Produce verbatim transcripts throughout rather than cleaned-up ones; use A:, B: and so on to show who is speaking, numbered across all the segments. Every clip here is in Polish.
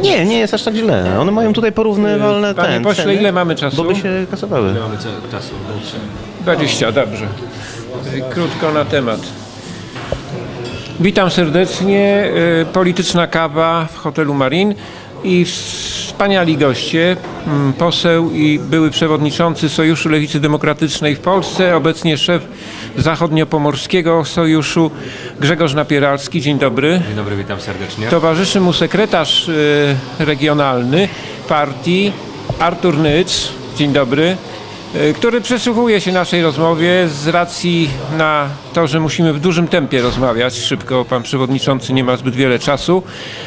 A: Nie, nie jest aż tak źle. One mają tutaj porównywalne
B: Panie
A: ten,
B: pośle,
A: ceny,
B: ile mamy czasu?
A: bo by się kasowały.
C: Ile mamy czasu?
B: dwadzieścia, dobrze. Krótko na temat. Witam serdecznie. Y, Polityczna kawa w hotelu Marin i wspaniali goście. mm, Poseł i były przewodniczący Sojuszu Lewicy Demokratycznej w Polsce, obecnie szef Zachodniopomorskiego Sojuszu Grzegorz Napieralski. Dzień dobry.
C: Dzień dobry, witam serdecznie.
B: Towarzyszy mu sekretarz y, regionalny partii Artur Nyc. Dzień dobry. Y, który przysłuchuje się naszej rozmowie z racji na to, że musimy w dużym tempie rozmawiać szybko. Pan przewodniczący nie ma zbyt wiele czasu.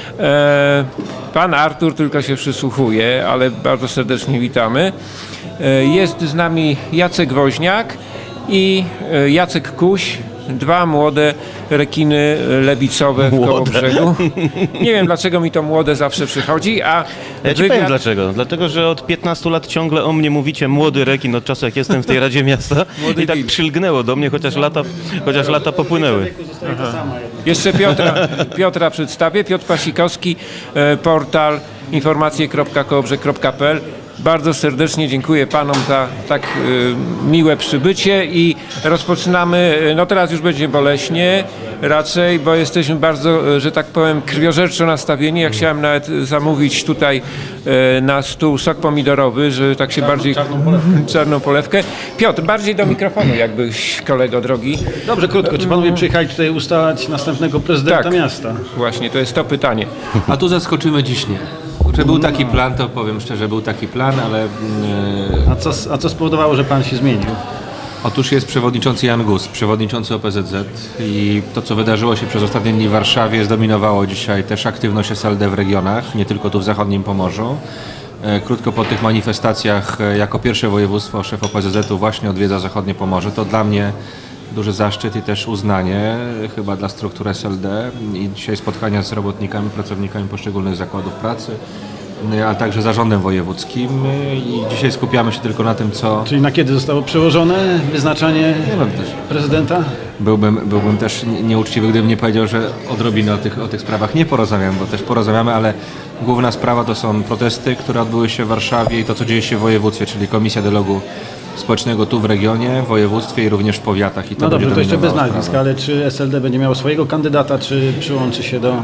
B: E, pan Artur tylko się przysłuchuje, ale bardzo serdecznie witamy. E, jest z nami Jacek Woźniak i e, Jacek Kuś. Dwa młode rekiny lewicowe w Kołobrzegu. Nie wiem, dlaczego mi to młode zawsze przychodzi, a
A: Ja ci
B: wywiad...
A: powiem dlaczego. Dlatego, że od piętnastu lat ciągle o mnie mówicie młody rekin od czasu, jak jestem w tej Radzie Miasta.
B: Młody
A: I tak
B: wilk.
A: przylgnęło do mnie, chociaż lata, chociaż lata popłynęły.
B: Jeszcze Piotra, Piotra przedstawię. Piotr Pasikowski, e, portal informacje kropka kołobrzeg kropka p l. Bardzo serdecznie dziękuję panom za tak e, miłe przybycie i rozpoczynamy, e, no teraz już będzie boleśnie raczej, bo jesteśmy bardzo, e, że tak powiem, krwiożerczo nastawieni. Ja chciałem nawet zamówić tutaj e, na stół sok pomidorowy, że tak się bardziej...
D: czarną polewkę.
B: Czarną polewkę. Piotr, bardziej do mikrofonu jakbyś, kolego drogi.
D: Dobrze, krótko. Czy panowie przyjechali tutaj ustalać następnego prezydenta
B: Tak.
D: miasta?
B: Właśnie, to jest to pytanie.
C: A tu zaskoczymy dziś nie. Że był taki plan, to powiem szczerze, był taki plan, ale mm,
D: A co, a co spowodowało, że pan się zmienił?
C: otóż jest przewodniczący Jan Gus, przewodniczący O P Z Z i to, co wydarzyło się przez ostatnie dni w Warszawie, zdominowało dzisiaj też aktywność S L D w regionach, nie tylko tu w zachodnim Pomorzu. E, Krótko po tych manifestacjach, e, jako pierwsze województwo szef O P Z Z u właśnie odwiedza zachodnie Pomorze. To dla mnie duży zaszczyt i też uznanie e, chyba dla struktur S L D i dzisiaj spotkania z robotnikami, pracownikami poszczególnych zakładów pracy, e, a także zarządem wojewódzkim e, i dzisiaj skupiamy się tylko na tym, co...
D: Czyli na kiedy zostało przełożone wyznaczanie
C: wiem też.
D: prezydenta?
C: Byłbym, byłbym też nie- nieuczciwy, gdybym nie powiedział, że odrobinę o tych, o tych sprawach nie porozmawiamy, bo też porozmawiamy, ale główna sprawa to są protesty, które odbyły się w Warszawie i to, co dzieje się w województwie, czyli Komisja Dialogu Społecznego tu w regionie, w województwie i również w powiatach. I to
D: No dobrze,
C: będzie
D: to jeszcze bez
C: dominowało
D: nazwisk,
C: sprawę.
D: ale czy S L D będzie miało swojego kandydata, czy przyłączy się do,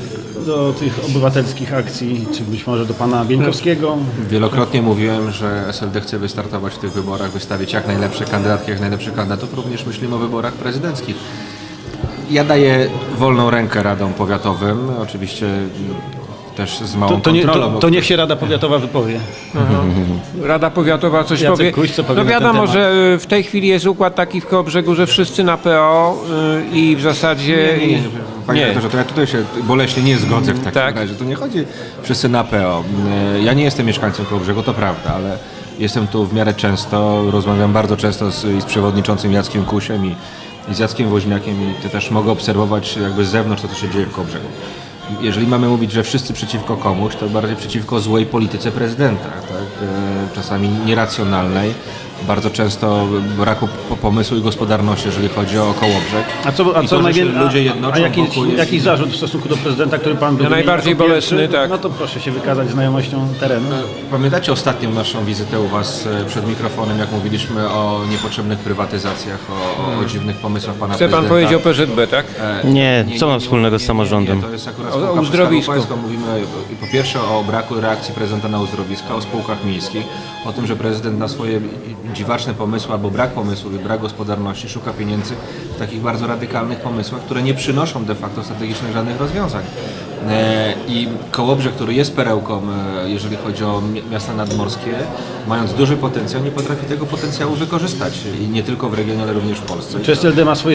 D: do tych obywatelskich akcji, czy być może do pana Bieńkowskiego?
C: Wielokrotnie mówiłem, że S L D chce wystartować w tych wyborach, wystawić jak najlepsze kandydatki, jak najlepszych kandydatów. Również myślimy o wyborach prezydenckich. Ja daję wolną rękę radom powiatowym, oczywiście też z małą
D: To, to, nie,
C: kontrolą.
D: to, to niech się Rada Powiatowa wypowie.
B: Rada Powiatowa coś
D: Jacek
B: powie.
D: Kuś, co powie
B: No
D: na ten
B: wiadomo,
D: temat?
B: że y, w tej chwili jest układ taki w Kołobrzegu, że wszyscy na P O y, i w zasadzie...
C: Nie, nie, nie. Panie
B: Nie.
C: redaktorze, to ja tutaj się boleśnie nie zgodzę w takim
B: Tak.
C: razie. To nie chodzi wszyscy na P O. Ja nie jestem mieszkańcem Kołobrzegu, to prawda, ale jestem tu w miarę często, rozmawiam bardzo często z, i z przewodniczącym Jackiem Kusiem i, i z Jackiem Woźniakiem i to też mogę obserwować jakby z zewnątrz to, co się dzieje w Kołobrzegu. Jeżeli mamy mówić, że wszyscy przeciwko komuś, to bardziej przeciwko złej polityce prezydenta, tak? E, czasami nieracjonalnej, bardzo często braku po- pomysłu i gospodarności, jeżeli chodzi o Kołobrzeg.
D: A co, a
C: I
D: co
C: to, że się
D: najwię- a-
C: ludzie jednoczą
D: a jakiś,
C: wokół jest-
D: jakiś zarzut w stosunku do prezydenta, który pan był
B: No najbardziej
D: jako pierwszy?
B: bolesny, tak.
D: No to proszę się wykazać znajomością terenu.
C: Pamiętacie ostatnią naszą wizytę u Was e, przed mikrofonem, jak mówiliśmy o niepotrzebnych prywatyzacjach, o, o, o dziwnych pomysłach Pana
B: Chce pan
C: prezydenta?
B: powiedzieć o P Z B, tak?
C: E,
A: Nie, co ma wspólnego z samorządem?
C: To jest akurat
B: O- o
C: spółka przez
B: uzdrowisku.
C: Skarbu Państwa. Mówimy e, po pierwsze o braku reakcji prezydenta na uzdrowiska, o spółkach miejskich, o tym, że prezydent na swoje dziwaczne pomysły albo brak pomysłów i brak gospodarności szuka pieniędzy w takich bardzo radykalnych pomysłach, które nie przynoszą de facto strategicznych żadnych rozwiązań. E, I Kołobrzeg, który jest perełką, e, jeżeli chodzi o mi- miasta nadmorskie, mając duży potencjał, nie potrafi tego potencjału wykorzystać. I nie tylko w regionie, ale również w Polsce.
D: Czy S L D ma swoje